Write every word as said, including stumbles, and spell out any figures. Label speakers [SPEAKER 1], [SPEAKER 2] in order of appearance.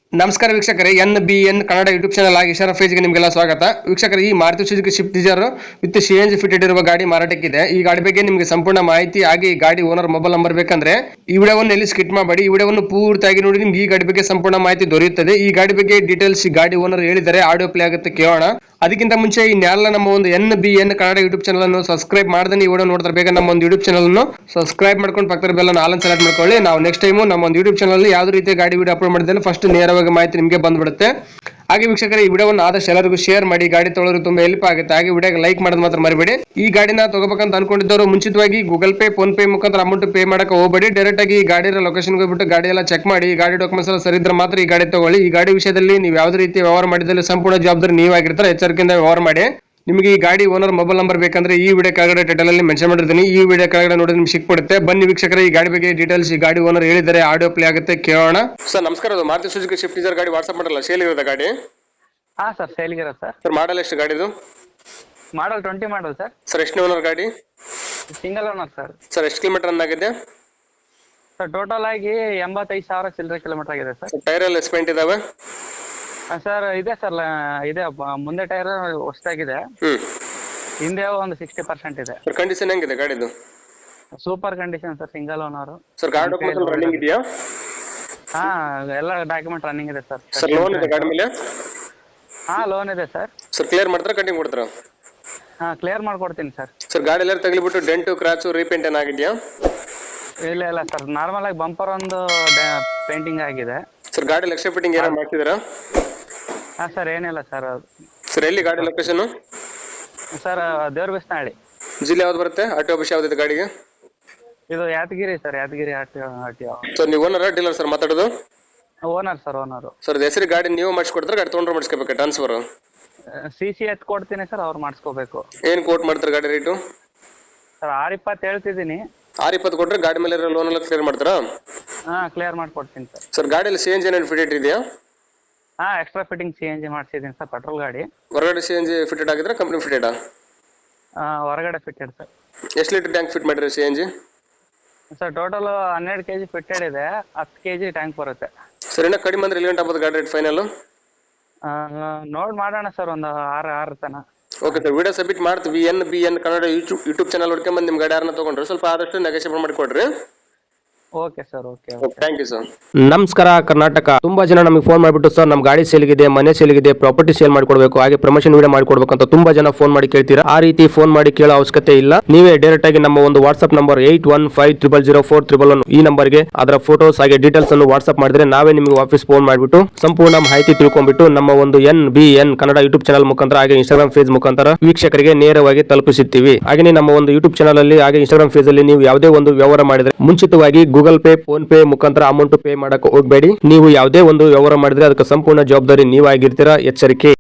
[SPEAKER 1] ನಮಸ್ಕಾರ ವೀಕ್ಷಕರೇ, N B N Kannada YouTube channel ಆಗಿ ಇಶಾರಾ ಫೇಜ್ಗೆ ನಿಮಗೆಲ್ಲ ಸ್ವಾಗತ. ವೀಕ್ಷಕರೇ, ಈ Maruti Suzuki Swift Dzire with C N G fitted ಇರುವ ಗಾಡಿ ಮಾರಾಟಕ್ಕಿದೆ. ಈ ಗಾಡಿ ಬಗ್ಗೆ ನಿಮಗೆ ಸಂಪೂರ್ಣ ಮಾಹಿತಿ ಹಾಗೆ ಈ ಗಾಡಿ ಓನರ್ ಮೊಬೈಲ್ ನಂಬರ್ ಬೇಕಂದ್ರೆ ಈ ವಿಡಿಯೋವನ್ನು ಎಲ್ಲಿ ಸ್ಕಿಪ್ ಮಾಡಬೇಡಿ. ಈ ವಿಡಿಯೋವನ್ನು ಪೂರ್ತಿಯಾಗಿ ನೋಡಿ, ನಿಮ್ಗೆ ಈ ಗಾಡಿ ಬಗ್ಗೆ ಸಂಪೂರ್ಣ ಮಾಹಿತಿ ದೊರೆಯುತ್ತದೆ. ಈ ಗಾಡಿ ಬಗ್ಗೆ ಡೀಟೇಲ್ಸ್ ಗಾಡಿ ಓನರ್ ಹೇಳಿದರೆ ಆಡಿಯೋ ಪ್ಲೇ ಆಗುತ್ತೆ, ಕೇಳೋಣ. ಅದಕ್ಕಿಂತ ಮುಂಚೆ ಈ ನ್ಯಾಲ ನಮ್ಮ ಒಂದು N B N Kannada YouTube channel ಅನ್ನು ಸಬ್ಸ್ಕ್ರೈಬ್ ಮಾಡದೆ ಈ ವಿಡಿಯೋ ನೋಡ್ತಾರೆ ಬೇಗ ನಮ್ಮ ಒಂದು ಯೂಟ್ಯೂಬ್ ಚಾನಲ್ ಅನ್ನು ಸಬ್ಸ್ಕ್ರೈಬ್ ಮಾಡ್ಕೊಂಡು ಪಕ್ಕದ ಬೆಲ್ ಅನ್ನು ಆಲ್ ಸೆಲೆಕ್ಟ್ ಮಾಡ್ಕೊಳ್ಳಿ. ನಾವು ನೆಕ್ಸ್ಟ್ ಟೈಮ್ ನಮ್ಮ ಒಂದು ಯೂಟ್ಯೂಬ್ ಚಾನಲ್ ಅಲ್ಲಿ ಯಾವುದೇ ರೀತಿಯ ಗಾಡಿ ವಿಡಿಯೋ ಅಪ್ಲೋಡ್ ಮಾಡಿದ್ರೆ ಫಸ್ಟ್ ನೇರವಾಗಿ ಮಾಹಿತಿ ನಿಮಗೆ ಬಂದ್ಬಿಡುತ್ತೆ. ಹಾಗೆ ವೀಕ್ಷಕರೇ, ಈ ವಿಡಿಯೋವನ್ನು ಆದಷ್ಟು ಎಲ್ಲರಿಗೂ ಶೇರ್ ಮಾಡಿ, ಗಾಡಿ ತೊಗೊಳ್ಳೋರು ತುಂಬಾ ಹೆಲ್ಪ್ ಆಗುತ್ತೆ. ಹಾಗೆ ವಿಡಿಯೋಗೆ ಲೈಕ್ ಮಾಡೋದು ಮಾತ್ರ ಮರಿಬೇಡಿ. ಈ ಗಾಡಿನ ತಗೋಬೇಕಂತ ಅನ್ಕೊಂಡಿದ್ದವರು ಮುಂಚಿತವಾಗಿ ಗೂಗಲ್ ಪೇ, ಫೋನ್ ಪೇ ಮುಖಾಂತರ ಅಮೌಂಟ್ ಪೇ ಮಾಡಕ್ಕೆ ಹೋಗಬೇಡಿ. ಡೈರೆಕ್ಟ್ ಆಗಿ ಈ ಗಾಡಿ ಲೊಕೇಶನ್ಗೆ ಹೋಗ್ಬಿಟ್ಟು ಗಾಡಿ ಎಲ್ಲ ಚೆಕ್ ಮಾಡಿ, ಈ ಗಾಡಿ ಡಾಕ್ಯುಮೆಂಟ್ಸ್ ಎಲ್ಲ ಸರಿ ಇದ್ರೆ ಮಾತ್ರ ಈ ಗಾಡಿ ತಗೊಳ್ಳಿ. ಈ ಗಾಡಿ ವಿಷಯದಲ್ಲಿ ನೀವು ಯಾವುದೇ ರೀತಿ ವ್ಯವಹಾರ ಮಾಡಿದಲ್ಲಿ ಸಂಪೂರ್ಣ ಜವಾಬ್ದಾರಿ ನೀವಾಗಿರ್ತಾರೆ. ಎಚ್ಚರಿಕೆಯಿಂದ ವ್ಯವಹಾರ ಮಾಡಿ. ನಿಮಗೆ ಈ ಗಾಡಿ ಓನರ್ ಮೊಬೈಲ್ ನಂಬರ್ ಬೇಕಂದ್ರೆ ಈ ವಿಡಿಯೋ ಕೆಳಗಡೆ ಟೈಟಲ್ ಅಲ್ಲಿ ಮೆನ್ಷನ್ ಮಾಡಿರ್ತೀನಿ. ಈ ವಿಡಿಯೋ ಕೆಳಗಡೆ ನೋಡಿ ನಿಮ್ಗೆ ಸಿಕ್ಬಿಡುತ್ತೆ. ಬನ್ನಿ ವೀಕ್ಷಕರೇ, ಈ ಗಾಡಿ ಬಗ್ಗೆ ಡೀಟೇಲ್ಸ್ ಈ ಗಾಡಿ ಓನರ್ ಹೇಳಿದರೆ ಆಡಿಯೋ ಪ್ಲೇ ಆಗುತ್ತೆ, ಕೇಳೋಣ. ಸರ್ ನಮಸ್ಕಾರ, ಅದು ಮಾರುತಿ ಸುಜುಕಿ ಸ್ವಿಫ್ಟ್ ಡಿಸೈರ್ ಗಾಡಿ ವಾಟ್ಸ್ಆಪ್ ಮಾಡಲ್ಲ, ಸೇಲ್ ಇರೋದ ಗಾಡಿ?
[SPEAKER 2] ಹಾ ಸರ್, ಸೇಲ್ಗೆ ಇರೋದು ಸರ್.
[SPEAKER 1] ಸರ್ ಮಾಡಲ್ ಎಷ್ಟು ಗಾಡಿದು?
[SPEAKER 2] Model twenty model sir.
[SPEAKER 1] Sir ಎಷ್ಟು ಓನರ್ ಗಾಡಿ?
[SPEAKER 2] Single owner sir.
[SPEAKER 1] ಸರ್ ಎಷ್ಟು ಕಿಲೋಮೀಟರ್ ರನ್ ಆಗಿದೆ?
[SPEAKER 2] ಸರ್ ಟೋಟಲ್ ಆಗಿ ಎಂಬತ್ತೈದು ಸಾವಿರ ಚಿಲ್ಲರೆ ಕಿಲೋಮೀಟರ್ ಆಗಿದೆ ಸರ್.
[SPEAKER 1] ಟೈರ್ ಎಲ್ಲ ಎಸ್ಪೆಂಟ್ ಇದಾವೆ?
[SPEAKER 2] ಸರ್ ಇದೆ ಸರ್, ಇದೆ. ಮುಂದೆ ಟೈರ್ ಹೊಸದಾಗಿದೆ,
[SPEAKER 1] ಹ್ಮ್.
[SPEAKER 2] ಹಿಂದೆ ಒಂದು ಸಿಕ್ಸ್ಟಿ ಪರ್ಸೆಂಟ್ ಇದೆ.
[SPEAKER 1] ಸರ್ ಕಂಡೀಷನ್ ಹೆಂಗಿದೆ ಗಾಡಿದು?
[SPEAKER 2] Super condition sir, single owner.
[SPEAKER 1] Sir ಗಾಡಿ ಡಾಕ್ಯುಮೆಂಟ್ಸ್ ರನ್ನಿಂಗ್ ಇದೆಯಾ?
[SPEAKER 2] ಹಾ, ಎಲ್ಲ ಡಾಕ್ಯುಮೆಂಟ್ ರನ್ನಿಂಗ್ ಇದೆ ಸರ್.
[SPEAKER 1] ಸರ್ ಲೋನ್ ಇದೆ ಗಾಡಿ ಮೇಲೆ?
[SPEAKER 2] ಹಾ, ಲೋನ್ ಇದೆ ಸರ್.
[SPEAKER 1] ಸರ್ ಕ್ಲಿಯರ್ ಮಾಡ್ತಾರಾ ಕಟಿಂಗ್ ಕೊಡ್ತಾರಾ?
[SPEAKER 2] ಹಾ, ಕ್ಲಿಯರ್ ಮಾಡ್ಕೊಡ್ತೀನಿ ಸರ್.
[SPEAKER 1] ಸರ್ ಗಾಡಿ ಎಲ್ಲ ತಗಲಿಬಿಟ್ಟು ಡೆಂಟು ಕ್ರಾಚು ರೀಪೇಂಟ್ ಏನಾಗಿದೆಯಾ?
[SPEAKER 2] ಇಲ್ಲ ಇಲ್ಲ ಸರ್, ನಾರ್ಮಲ್ ಆಗಿ ಬಂಪರ್ ಒಂದು ಪೇಂಟಿಂಗ್ ಆಗಿದೆ.
[SPEAKER 1] ಸರ್ ಗಾಡಿ ಲಕ್ಷ ಫಿಟ್ಟಿಂಗ್ ಏನಾರು ಮಾಡ್ತಿದ್ದೀರಾ?
[SPEAKER 2] ಹಾ ಸರ್, ಏನಿಲ್ಲ ಸರ್.
[SPEAKER 1] ಸರ್ ಎಲ್ಲಿ ಗಾಡಿ ಲೊಕೇಶನ್?
[SPEAKER 2] ಸರ್ ದೇವ್ರ ಬಿಸ್ನಹಳ್ಳಿ.
[SPEAKER 1] ಜಿಲ್ಲೆ ಯಾವ್ದು ಬರುತ್ತೆ? ಆರ್ ಟಿ ಆಫೀಸ್ ಯಾವ್ದಿದೆ ಗಾಡಿಗೆ?
[SPEAKER 2] ಇದು Yadagiri sir, Yadagiri R T R T.
[SPEAKER 1] Sir ನೀವು ಓನರ್ ಡೀಲರ್ ಸರ್ ಮಾತಾಡೋದು?
[SPEAKER 2] Owner sir, owner.
[SPEAKER 1] ಸರ್ ಹೆಸರು ಗಾಡಿ ನೀವು ಮಾಡಿಸ್ಕೊಡ್ತಾರೆ, ಗಾಡಿ ತೊಗೊಂಡ್ರೆ ಮಾಡಿಸ್ಕೋಬೇಕು ಟ್ರಾನ್ಸ್ಫರ್?
[SPEAKER 2] ಸಿ ಸಿ ಎತ್ ಕೊಡ್ತೀನಿ ಸರ್, ಅವ್ರು ಮಾಡಿಸ್ಕೋಬೇಕು.
[SPEAKER 1] ಏನು ಕೋಟ್ ಮಾಡ್ತಾರೆ ಗಾಡಿ ರೇಟು?
[SPEAKER 2] ಸರ್ ಆರು ಇಪ್ಪತ್ತು ಹೇಳ್ತಿದ್ದೀನಿ.
[SPEAKER 1] ಆರು ಇಪ್ಪತ್ತು ಕೊಟ್ಟರೆ ಗಾಡಿ ಮೇಲೆ ಲೋನ್ ಎಲ್ಲ ಕ್ಲಿಯರ್ ಮಾಡ್ತಾರಾ?
[SPEAKER 2] ಹಾಂ, ಕ್ಲಿಯರ್ ಮಾಡ್ಕೊಡ್ತೀನಿ ಸರ್.
[SPEAKER 1] ಸರ್ ಗಾಡಿಯಲ್ಲಿ ಸಿ ಎನ್ ಜಿ ಏನೇನು ಫಿಟೆಡ್ ಇದೆಯಾ?
[SPEAKER 2] ಹಾಂ, extra fitting C N G ಮಾಡಿಸಿದ್ದೀನಿ ಸರ್, ಪೆಟ್ರೋಲ್ ಗಾಡಿ.
[SPEAKER 1] ಹೊರಗಡೆ ಸಿ ಎನ್ ಜಿ ಫಿಟೆಡ್ ಆಗಿದ್ರೆ ಕಂಪ್ನಿ ಫಿಟೆಡಾ?
[SPEAKER 2] ಹೊರಗಡೆ ಫಿಟ್ಟೆಡ್ ಸರ್.
[SPEAKER 1] ಎಷ್ಟು ಲೀಟರ್ ಟ್ಯಾಂಕ್ ಫಿಟ್ ಮಾಡಿರಿ C N G?
[SPEAKER 2] Sir total ಹನ್ನೆರಡು ಕೆ ಜಿ ಫಿಟ್ಟೆಡ್ ಇದೆ, ಹತ್ತು ಕೆ ಜಿ ಟ್ಯಾಂಕ್ ಬರುತ್ತೆ.
[SPEAKER 1] ಸರ್ ಇನ್ನೂ ಕಡಿಮೆ ಅಂದ್ರೆ ಎಲ್ಲಿ ಗಂಟೆ ಆಗ್ಬೋದು ಗಾಡಿ ರೇಟ್ ಫೈನಲ್?
[SPEAKER 2] ನೋಡಿ ಮಾಡೋಣ ಸರ್, ಒಂದು ಆರು ಆರು ತನ.
[SPEAKER 1] ಓಕೆ ಸರ್, ವಿಡಿಯೋ ಸಬ್ಮಿಟ್ ಮಾಡ್ತೀವಿ. N B N Kannada YouTube YouTube channel ಹುಡ್ಕೊಂಬಂದು ನಿಮ್ಮ ಗಾಡಿ ಯಾರನ್ನ ತೊಗೊಂಡ್ರೆ ಸ್ವಲ್ಪ ಆದಷ್ಟು ನೆಗೋಷಿಯೇಟ್ ಮಾಡಿಕೊಡ್ರಿ.
[SPEAKER 2] Okay sir, okay.
[SPEAKER 1] Thank you sir.
[SPEAKER 3] ನಮಸ್ಕಾರ ಕರ್ನಾಟಕ. ತುಂಬಾ ಜನ ನಮಗೆ ಫೋನ್ ಮಾಡಿಬಿಟ್ಟು ಸರ್ ನಮ್ಮ ಗಾಡಿ ಸೇಲ್ಗಿದೆ, ಮನೆ ಸೇಲ್ಗಿದೆ, ಪ್ರಾಪರ್ಟಿ ಸೇಲ್ ಮಾಡ್ಕೊಡ್ಬೇಕು, ಹಾಗೆ ಪ್ರಮೋಷನ್ ವಿಡಿಯೋ ಮಾಡ್ಕೊಡ್ಬೇಕು ಅಂತ ತುಂಬಾ ಜನ ಫೋನ್ ಮಾಡಿ ಕೇಳ್ತೀರಾ. ಆ ರೀತಿ ಫೋನ್ ಮಾಡಿ ಕೇಳೋ ಅವಶ್ಯಕತೆ ಇಲ್ಲ. ನೀವೇ ಡೈರೆಕ್ಟ್ ಆಗಿ ನಮ್ಮ ಒಂದು WhatsApp number eight one five triple zero four triple one ಈ ನಂಬರ್ಗೆ ಅದರ ಫೋಟೋಸ್ ಹಾಗೆ ಡೀಟೇಲ್ಸ್ ಅನ್ನು ವಾಟ್ಸ್ಆಪ್ ಮಾಡಿದ್ರೆ ನಾವೇ ನಿಮಗೆ ವಾಪಸ್ ಫೋನ್ ಮಾಡಿಬಿಟ್ಟು ಸಂಪೂರ್ಣ ಮಾಹಿತಿ ತಿಳ್ಕೊಂಡ್ಬಿಟ್ಟು ನಮ್ಮ ಒಂದು N B N Kannada YouTube channel ಮುಖಾಂತರ ಹಾಗೆ ಇನ್ಸ್ಟಾಗ್ರಾಮ್ ಪೇಜ್ ಮುಖಾಂತರ ವೀಕ್ಷಕರಿಗೆ ನೇರವಾಗಿ ತಲುಪಿಸುತ್ತೀವಿ. ಹಾಗೆ ನಮ್ಮ ಒಂದು ಯೂಟ್ಯೂಬ್ ಚಾನಲ್ ಅಲ್ಲಿ ಹಾಗೆ ಇನ್ಸ್ಟಾಗ್ರಾಮ್ ಪೇಜ್ ಅಲ್ಲಿ ನೀವು ಯಾವುದೇ ಒಂದು ವ್ಯವಹಾರ ಮಾಡಿದ್ರೆ ಮುಂಚಿತವಾಗಿ ಗೂಗಲ್ ಪೇ, ಫೋನ್ ಪೇ ಮುಖಾಂತರ ಅಮೌಂಟ್ ಪೇ ಮಾಡಕ್ಕೆ ಹೋಗಬೇಡಿ. ನೀವು ಯಾವುದೇ ಒಂದು ವ್ಯವಹಾರ ಮಾಡಿದ್ರೆ ಅದಕ್ಕೆ ಸಂಪೂರ್ಣ ಜವಾಬ್ದಾರಿ ನೀವಾಗಿರ್ತೀರಾ. ಎಚ್ಚರಿಕೆ.